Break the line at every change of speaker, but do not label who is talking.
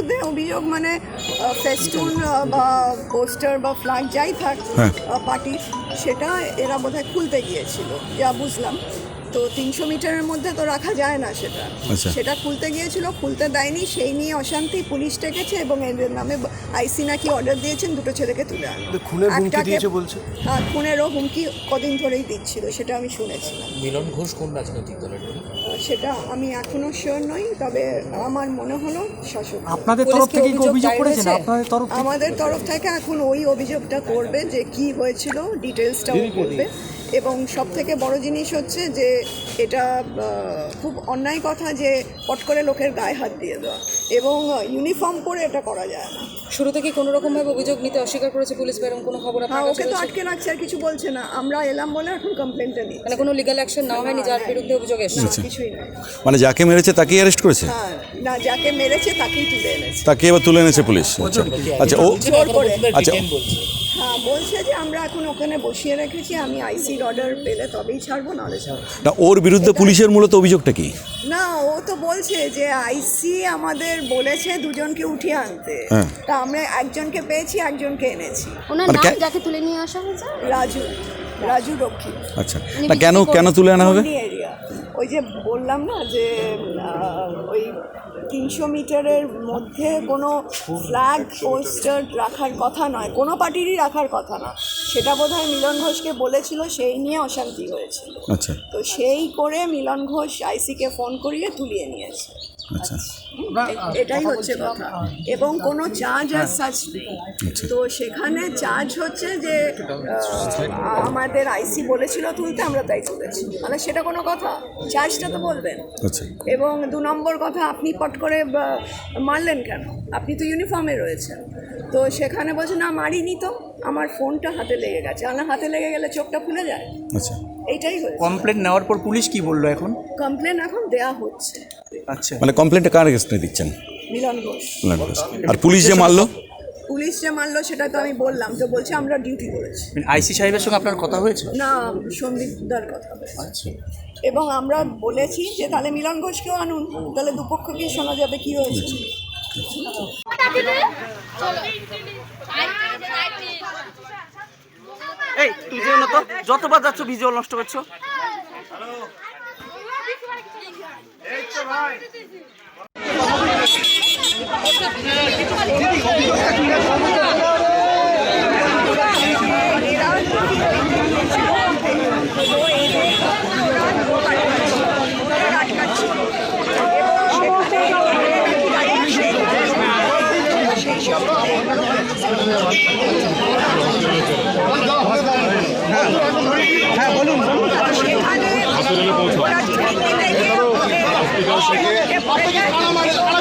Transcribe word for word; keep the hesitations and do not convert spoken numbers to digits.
বিরুদ্ধে অভিযোগ মানে ফেস্টুন বা পোস্টার বা ফ্ল্যাগ যাই থাক পার্টির, সেটা এরা বোধহয় খুলতে গিয়েছিল যা বুঝলাম। তো তিনশো মিটারের মধ্যে তো রাখা যায় না সেটা, সেটা খুলতে গিয়েছিল, খুলতে দেয়নি, সেই নিয়ে অশান্তি, পুলিশ ডেকেছে এবং এদের নামে আইসি নাকি অর্ডার দিয়েছেন দুটো ছেলেকে তুলে আনো। হ্যাঁ, খুনেরও হুমকি কদিন ধরেই দিচ্ছিল, সেটা আমি শুনেছিলাম।
মিলন ঘোষ কোন রাজনৈতিক দলের?
সেটা আমি এখনো শিওর নই, তবে আমার মনে হলো শাসক।
আপনাদের তরফ থেকে কি অভিযোগ করেছেন? আপনাদের তরফ
আমাদের তরফ থেকে এখন ওই অভিযোগটা করবে যে কি হয়েছিল, ডিটেলসটাও করবে। এবং সব থেকে বড় জিনিস হচ্ছে যে এটা খুব অন্যায় কথা যে পট করে লোকের গায়ে হাত দিয়ে দেওয়া, এবং ইউনিফর্ম পরে এটা করা যায় না।
শুরু থেকে কোনো রকমভাবে অভিযোগ নিতে অস্বীকার করেছে পুলিশ, বা এরকম কোনো খবর?
হ্যাঁ, ওকে তো আটকে রাখছে, আর কিছু বলছে না। আমরা এলাম বলে এখন কমপ্লেনটা নিই,
মানে কোনো লিগ্যাল অ্যাকশন নেওয়া হয়নি যার বিরুদ্ধে অভিযোগ এসেছে?
কিছুই না,
মানে যাকে মেরেছে তাকেই অ্যারেস্ট করেছে?
হ্যাঁ, না, যাকে মেরেছে তাকেই তুলে এনেছে।
তাকে এবার তুলে এনেছে পুলিশ? আচ্ছা আচ্ছা ও আচ্ছা
হ্যাঁ, বলছে যে আমরা এখন ওখানে বসিয়ে রেখেছি, আমি আইসির অর্ডার পেলে তবেই ছাড়বো, নাহলে ছাড়বো
না। ওর বিরুদ্ধে পুলিশের মূলত অভিযোগটা কি?
না, ও তো বলছে যে আইসি আমাদের বলেছে দুজনকে উঠিয়ে আনতে, তা আমরা একজনকে পেয়েছি, একজনকে এনেছি।
ওনার নাম যাকে তুলে নিয়ে আসা হয়েছে?
রাজু, রাজু রক্ষী।
আচ্ছা, না কেন কেন তুলে আনা হবে?
এরিয়া ওই যে বললাম না যে ওই তিনশো মিটারের মধ্যে কোনো ফ্ল্যাগ পোস্টার রাখার কথা নয়, কোনো পার্টিরই রাখার কথা না, সেটা বোধহয় মিলন ঘোষকে বলেছিল, সেই নিয়ে অশান্তি হয়েছিল।
আচ্ছা, তো
সেই করে মিলন ঘোষ আইসিকে ফোন করিয়ে তুলিয়ে নিয়েছে।
আচ্ছা,
এটাই হচ্ছে কথা, এবং কোনো চার্জ আর সাচ নেই। তো সেখানে চার্জ হচ্ছে যে আমাদের আইসি বলেছিল তুলতে, আমরা তাই তুলেছি, মানে সেটা কোনো কথা? চার্জটা তো বলবেন।
আচ্ছা,
এবং দু নম্বর কথা, আপনি পট করে মারলেন কেন? আপনি তো ইউনিফর্মে রয়েছেন। তো সেখানে বলছে না, মারিনি তো, আমার ফোনটা হাতে লেগে গেছে। আমার হাতে লেগে গেলে চোখটা খুলে যায়।
আচ্ছা,
এইটাই হয়েছে।
কমপ্লেন নেওয়ার পর পুলিশ কি বললো এখন?
কমপ্লেন এখন দেয়া হচ্ছে।
আচ্ছা,
মানে কমপ্লেনটা কার এগেইনস্টে দিচ্ছেন?
মিলন ঘোষ।
মিলন ঘোষ। আর পুলিশ যে মারলো?
পুলিশ যে মারলো সেটা তো আমি বললাম, তো বলছে আমরা ডিউটি করেছি।
আইসি সাহেবের সঙ্গে আপনার কথা হয়েছে?
না, সন্দীপদার কথা হয়েছে। এবং আমরা বলেছি যে তাহলে মিলন ঘোষকেও আনুন, তাহলে দুপক্ষকে শোনা যাবে কি হয়েছে।
এই তুই যেও না তো, যতবার যাচ্ছ ভিজুয়াল নষ্ট করছো। হ্যাঁ বলুন।
সেখানে